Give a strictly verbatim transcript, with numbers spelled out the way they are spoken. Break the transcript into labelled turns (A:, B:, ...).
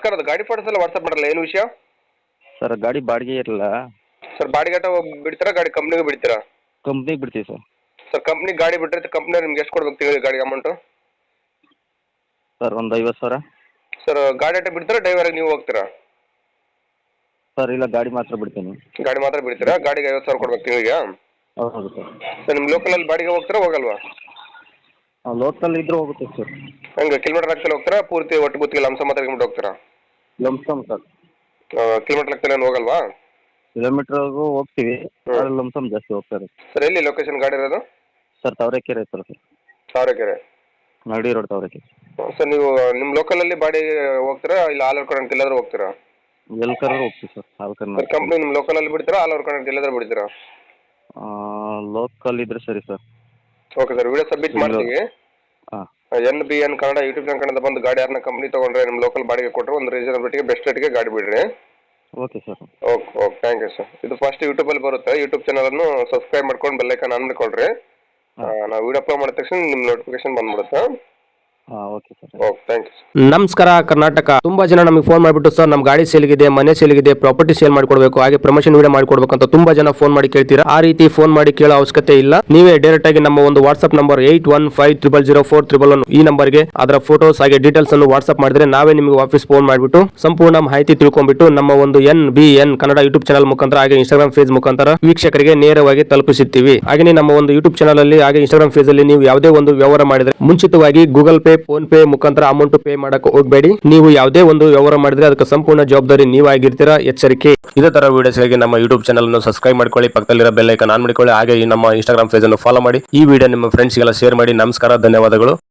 A: ನಮಸ್ಕಾರ, ಅದು ಗಾಡಿ ಫೋಟೋಸ್ ಎಲ್ಲ ವಾಟ್ಸಪ್ ಮಾಡಲ್ಲ, ಏನು ವಿಷಯ
B: ಸರ್? ಗಾಡಿ ಬಾಡಿಗೆ ಇರಲ್ಲ
A: ಸರ್. ಬಾಡಿಗೆ ಬಿಡ್ತೀರಾ ಗಾಡಿ ಕಂಪ್ನಿಗೆ ಬಿಡ್ತೀರಾ?
B: ಕಂಪ್ನಿಗೆ ಬಿಡ್ತೀವಿ ಸರ್.
A: ಸರ್ ಕಂಪ್ನಿ ಗಾಡಿ ಬಿಟ್ಟರೆ ಕಂಪ್ನಿ ನಿಮ್ಗೆ ಎಷ್ಟು ಕೊಡ್ಬೇಕು ತಿಂಗಳಿಗೆ ಗಾಡಿ ಅಮೌಂಟು?
B: ಸರ್ ಒಂದು ಐವತ್ತು ಸಾವಿರ.
A: ಸರ್ ಗಾಡಿ ಆಟ ಬಿಡ್ತೀರಾ ಡ್ರೈವರ್ಗೆ ನೀವು ಹೋಗ್ತೀರಾ?
B: ಸರ್ ಇಲ್ಲ, ಗಾಡಿ ಮಾತ್ರ ಬಿಡ್ತೀನಿ.
A: ಗಾಡಿ ಮಾತ್ರ ಬಿಡ್ತೀರಾ? ಗಾಡಿಗೆ ಐವತ್ತು ಸಾವಿರ ಕೊಡ್ಬೇಕು ತಿಂಗಳಿಗೆ?
B: ಹೌದು ಸರ್.
A: ಸರ್ ನಿಮ್ಮ ಲೋಕಲಲ್ಲಿ ಬಾಡಿಗೆ ಹೋಗ್ತೀರಾ ಹೋಗಲ್ವಾ?
B: ಲೋಕಲ್ ಇದ್ರೂ ಹೋಗುತ್ತೆ ಸರ್.
A: ಹಂಗೆ ಕಿಲೋಮೀಟರ್ ಲೆಕ್ಕದಲ್ಲಿ ಹೋಗ್ತೀರಾ ಪೂರ್ತಿ ಒಟ್ಟು ಗುತ್ತಿಗೆ ಲಂಸ ಮಾತಾಡ್ಕೊಂಡು ಹೋಗ್ತೀರಾ?
B: Lump sum sir.
A: ಕಿಲೋಮೀಟರ್ ಲೆಕ್ಕದಲ್ಲಿ ಏನು ಹೋಗಲ್ವಾ?
B: ಕಿಲೋಮೀಟ್ರಿಗೂ ಹೋಗ್ತೀವಿ, ಆದರೆ ಲಂಸಮ್ ಜಾಸ್ತಿ ಹೋಗ್ತಾರೆ.
A: ಸರ್ ಎಲ್ಲಿ ಲೊಕೇಶನ್ ಗಾಡಿ ಇರೋದು?
B: Sir Tavarekere sir. Sir
A: Tavarekere
B: ನಗಡಿ ರೋಡ್ ತಾವರೆಕೆರೆ.
A: ಸರ್ ನೀವು ನಿಮ್ಮ ಲೋಕಲಲ್ಲಿ ಬಾಡಿಗೆ ಹೋಗ್ತೀರಾ ಇಲ್ಲ ಆಲ್ ಓವರ್ ಕರ್ನಾಟಕ ಎಲ್ಲಾದ್ರೂ ಹೋಗ್ತೀರಾ?
B: ಎಲ್ಲಿ ಕರ್ರೂ ಹೋಗ್ತೀವಿ sir. All
A: sir
B: Karnataka.
A: Company ನಿಮ್ಮ ಲೋಕಲಲ್ಲಿ ಬಿಡ್ತೀರಾ ಆಲ್ ಓವರ್ ಕರ್ನಾಟಕ ಎಲ್ಲಾದ್ರೂ ಬಿಡ್ತೀರಾ?
B: ಲೋಕಲ್ ಇದ್ರೆ ಸರಿ sir.
A: Okay sir, video submit ಮಾಡ್ತೀವಿ.
B: ಹಾಂ.
A: N B N Kannada YouTube channel ಕಡೆಯಿಂದ ಬಂದು ಗಾಡಿ ಯಾರನ್ನ ಕಂಪ್ನಿ ತೊಗೊಂಡ್ರೆ ನಿಮ್ಮ ಲೋಕಲ್ ಬಾಡಿಗೆ ಕೊಟ್ಟರೆ ಒಂದು ರೀಸನಬಿಲಿಟಿಗೆ ಬೆಸ್ಟ್ ರೇಟ್ಗೆ ಗಾಡಿ ಬಿಡ್ರಿ.
B: Okay sir.
A: Okay okay thank you sir. ಇದು ಫಸ್ಟ್ ಯೂಟ್ಯೂಬಲ್ಲಿ ಬರುತ್ತೆ, ಯೂಟ್ಯೂಬ್ ಚಾನಲನ್ನು ಸಬ್ಸ್ಕ್ರೈಬ್ ಮಾಡ್ಕೊಂಡು ಬೆಲ್ಲೈಕನ್ ಆನ್ ಮಾಡ್ಕೊಳ್ರಿ. ನಾವು ವಿಡಿಯೋ ಅಪ್ಲೋಡ್ ಮಾಡಿದ ತಕ್ಷಣ ನಿಮ್ಮ ನೋಟಿಫಿಕೇಶನ್ ಬಂದ್ಬಿಡುತ್ತೆ.
B: ಹಾಂ okay sir.
A: Okay thank you.
C: ನಮಸ್ಕಾರ ಕರ್ನಾಟಕ. ತುಂಬಾ ಜನ ನಮಗೆ ಫೋನ್ ಮಾಡಿಬಿಟ್ಟು ಸರ್ ನಮ್ಮ ಗಾಡಿ ಸೇಲ್ಗಿದೆ, ಮನೆ ಸೇಲ್ಗಿದೆ, ಪ್ರಾಪರ್ಟಿ ಸೇಲ್ ಮಾಡ್ಕೊಡ್ಬೇಕು, ಹಾಗೆ ಪ್ರಮೋಷನ್ ವಿಡಿಯೋ ಮಾಡ್ಕೊಡ್ಬೇಕು ಅಂತ ತುಂಬಾ ಜನ ಫೋನ್ ಮಾಡಿ ಕೇಳ್ತೀರಾ. ಆ ರೀತಿ ಫೋನ್ ಮಾಡಿ ಕೇಳೋ ಅವಶ್ಯಕತೆ ಇಲ್ಲ. ನೀವೇ ಡೈರೆಕ್ಟ್ ಆಗಿ ನಮ್ಮ ಒಂದು WhatsApp number eight one five triple zero four triple one ಈ ನಂಬರ್ಗೆ ಅದರ ಫೋಟೋಸ್ ಹಾಗೆ ಡೀಟೇಲ್ಸ್ ಅನ್ನು ವಾಟ್ಸ್ಆಪ್ ಮಾಡಿದ್ರೆ ನಾವೇ ನಿಮಗೆ ವಾಪಸ್ ಫೋನ್ ಮಾಡಿಬಿಟ್ಟು ಸಂಪೂರ್ಣ ಮಾಹಿತಿ ತಿಳ್ಕೊಂಡ್ಬಿಟ್ಟು ನಮ್ಮ ಒಂದು N B N Kannada YouTube channel ಮುಖಾಂತರ ಹಾಗೆ ಇನ್ಸ್ಟಾಗ್ರಾಮ್ ಪೇಜ್ ಮುಖಾಂತರ ವೀಕ್ಷಕರಿಗೆ ನೇರವಾಗಿ ತಲುಪಿಸುತ್ತೀವಿ. ಹಾಗೆ ನಮ್ಮ ಒಂದು ಯೂಟ್ಯೂಬ್ ಚಾನಲ್ ಅಲ್ಲಿ ಹಾಗೆ ಇನ್ಸ್ಟಾಗ್ರಾಮ್ ಪೇಜ್ ಅಲ್ಲಿ ನೀವು ಯಾವುದೇ ಒಂದು ವ್ಯವಹಾರ ಮಾಡಿದ್ರೆ ಮುಂಚಿತವಾಗಿ ಗೂಗಲ್ ಪೇ, ಫೋನ್ ಪೇ ಮುಖಾಂತರ ಅಮೌಂಟ್ ಪೇ ಮಾಡಕ್ಕೆ ಹೋಗಬೇಡಿ. ನೀವು ಯಾವುದೇ ಒಂದು ವ್ಯವಹಾರ ಮಾಡಿದ್ರೆ ಅದಕ್ಕೆ ಸಂಪೂರ್ಣ ಜವಾಬ್ದಾರಿ ನೀವಾಗಿರ್ತೀರಾ, ಎಚ್ಚರಿಕೆ. ಇದೇ ತರ ವಿಡಿಯೋಸ್ಗಾಗಿ ನಮ್ಮ ಯೂಟ್ಯೂಬ್ ಚಾನಲ್ ಅನ್ನು ಸಬ್ಸ್ಕ್ರೈಬ್ ಮಾಡ್ಕೊಳ್ಳಿ, ಪಕ್ಕದಲ್ಲಿರೋ ಬೆಲ್ ಐಕಾನ್ ಆನ್ ಮಾಡ್ಕೊಳ್ಳಿ, ಹಾಗೆ ನಮ್ಮ ಇನ್ಸ್ಟಾಗ್ರಾಮ್ ಪೇಜ್ ಅನ್ನು ಫಾಲೋ ಮಾಡಿ. ಈ ವಿಡಿಯೋ ನಿಮ್ಮ ಫ್ರೆಂಡ್ಸ್ಗೆಲ್ಲ ಶೇರ್ ಮಾಡಿ. ನಮಸ್ಕಾರ, ಧನ್ಯವಾದಗಳು.